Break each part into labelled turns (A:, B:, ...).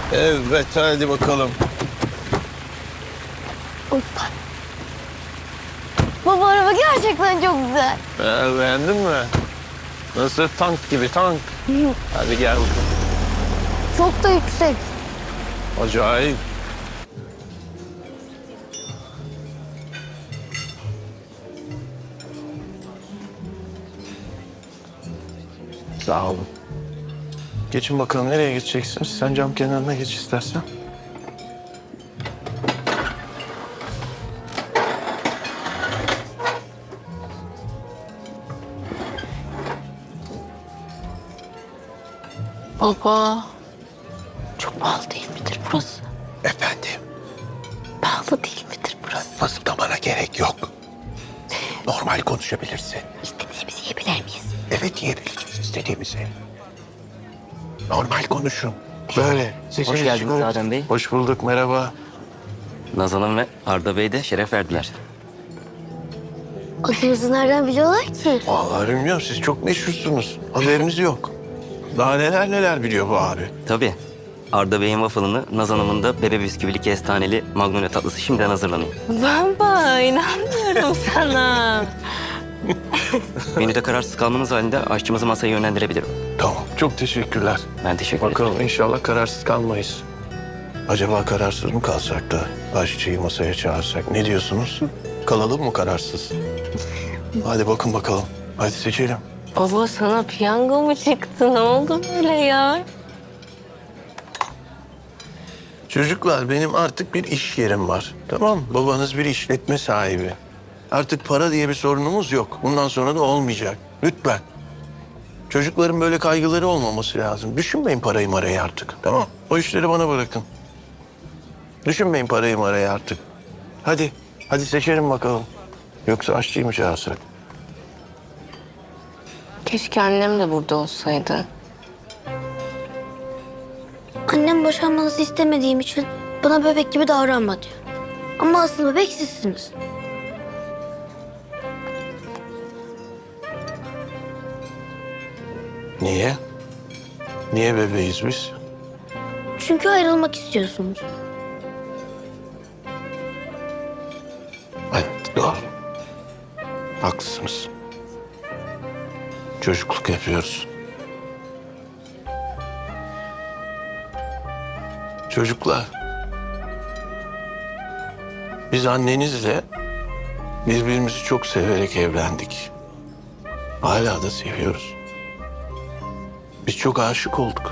A: Evet, hadi bakalım.
B: Hoppa. Baba araba gerçekten çok güzel.
A: Beğendin mi? Nasıl tank gibi tank. Hadi gel bakalım.
B: Çok da yüksek.
A: Acayip. Sağ olun. Geçin bakalım, nereye geçeceksiniz? Sen cam kenarına geç istersen.
B: Baba. Çok pahalı değil midir burası?
A: Efendim,
B: Pahalı değil midir burası?
A: fısıldamana gerek yok. Normal konuşabilirsin.
B: İstediğimizi yiyebilir miyiz?
A: Evet, yiyebileceğiz istediğimizi. Normal konuşun. Böyle.
C: Hoş geldiniz Adem Bey.
A: Hoş bulduk, merhaba.
C: Nazan Hanım ve Arda Bey de şeref verdiler.
B: Adımızı nereden biliyorlar ki?
A: Vallahi bilmiyorum, siz çok meşhursunuz. Haberiniz yok. Daha neler neler biliyor bu abi.
C: Tabii. Arda Bey'in waffle'ını, Nazan Hanım'ın da bebe bisküvili kestaneli magnolia tatlısı şimdiden hazırlanıyor.
B: Baba inanmıyorum sana.
C: Menüde kararsız kalmanız halinde aşçımızı masaya yönlendirebilirim.
A: Tamam, çok teşekkürler.
C: Ben teşekkür ederim.
A: Bakalım, inşallah kararsız kalmayız. Acaba kararsız mı kalsak da aşçıyı masaya çağırsak? Ne diyorsunuz? Kalalım mı kararsız? Hadi bakın bakalım. Hadi seçelim.
B: Baba sana piyango mu çıktı? Ne oldu böyle ya?
A: Çocuklar, benim artık bir iş yerim var. Tamam mı? Babanız bir işletme sahibi. Artık para diye bir sorunumuz yok. Bundan sonra da olmayacak. Lütfen. Çocukların böyle kaygıları olmaması lazım. Düşünmeyin parayı marayı artık. Tamam. O işleri bana bırakın. Düşünmeyin parayı marayı artık. Hadi. Hadi seçelim bakalım. Yoksa aşçıyı mı çağırsak?
B: Keşke annem de burada olsaydı.
D: Annem boşanmanızı istemediğim için bana bebek gibi davranma diyor. Ama asıl bebek sizsiniz.
A: Niye? Niye bebeğiz biz?
D: Çünkü ayrılmak istiyorsunuz.
A: Evet, doğru. Haklısınız. Çocukluk yapıyoruz. Çocuklar. Biz annenizle birbirimizi çok severek evlendik. Hala da seviyoruz. Biz çok aşık olduk.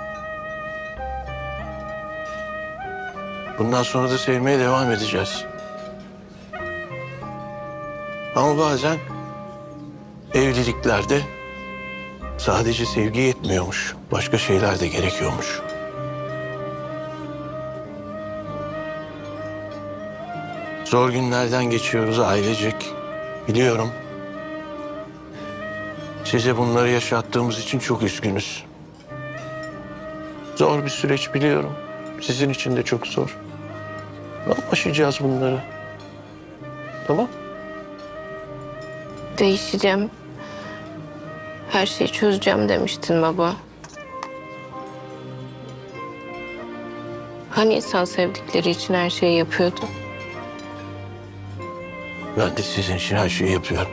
A: Bundan sonra da sevmeye devam edeceğiz. Ama bazen evliliklerde sadece sevgi yetmiyormuş. Başka şeyler de gerekiyormuş. Zor günlerden geçiyoruz ailecek. Biliyorum. Size bunları yaşattığımız için çok üzgünüz. Zor bir süreç biliyorum. Sizin için de çok zor. Ama aşacağız bunları. Tamam?
B: Değişeceğim. Her şeyi çözeceğim demiştin baba. Hani insan sevdikleri için her şeyi yapıyordu?
A: Ben de sizin için her şeyi yapıyorum.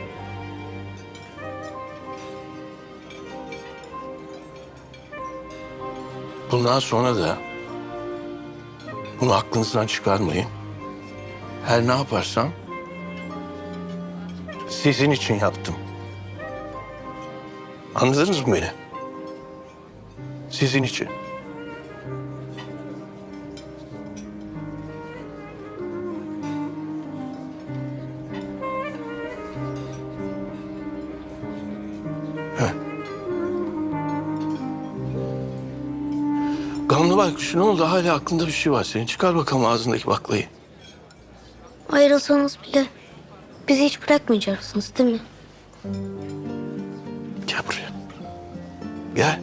A: Bundan sonra da bunu aklınızdan çıkarmayın. Her ne yaparsam sizin için yaptım. Anladınız mı beni? Sizin için. Heh. Gamlı baykuş, ne oldu? Hala aklında bir şey var senin. Çıkar bakalım ağzındaki baklayı.
D: Ayrılsanız bile bizi hiç bırakmayacaksınız değil mi?
A: Gel buraya. Gel.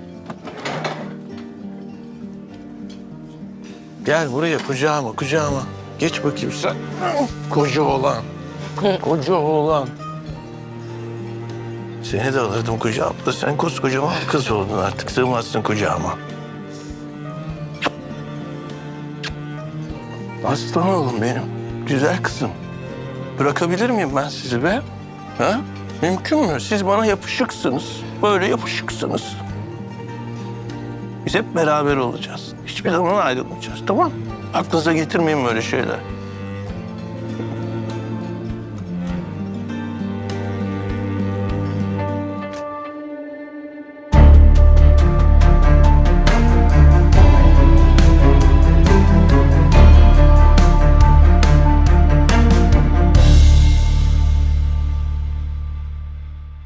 A: Gel buraya, kucağıma, kucağıma. Geç bakayım sen. Koca oğlan. Koca oğlan. Seni de alırdım kucağıma da sen koskocaman kız oldun artık. Sığmazsın kucağıma. Aslan oğlum benim. Güzel kızım. Bırakabilir miyim ben sizi be? Ha? Mümkün mü? Siz bana yapışıksınız. Böyle yapışıksınız. Biz hep beraber olacağız. Hiçbir zaman ayrılmayacağız, tamam mı? Aklınıza getirmeyin böyle şeyler.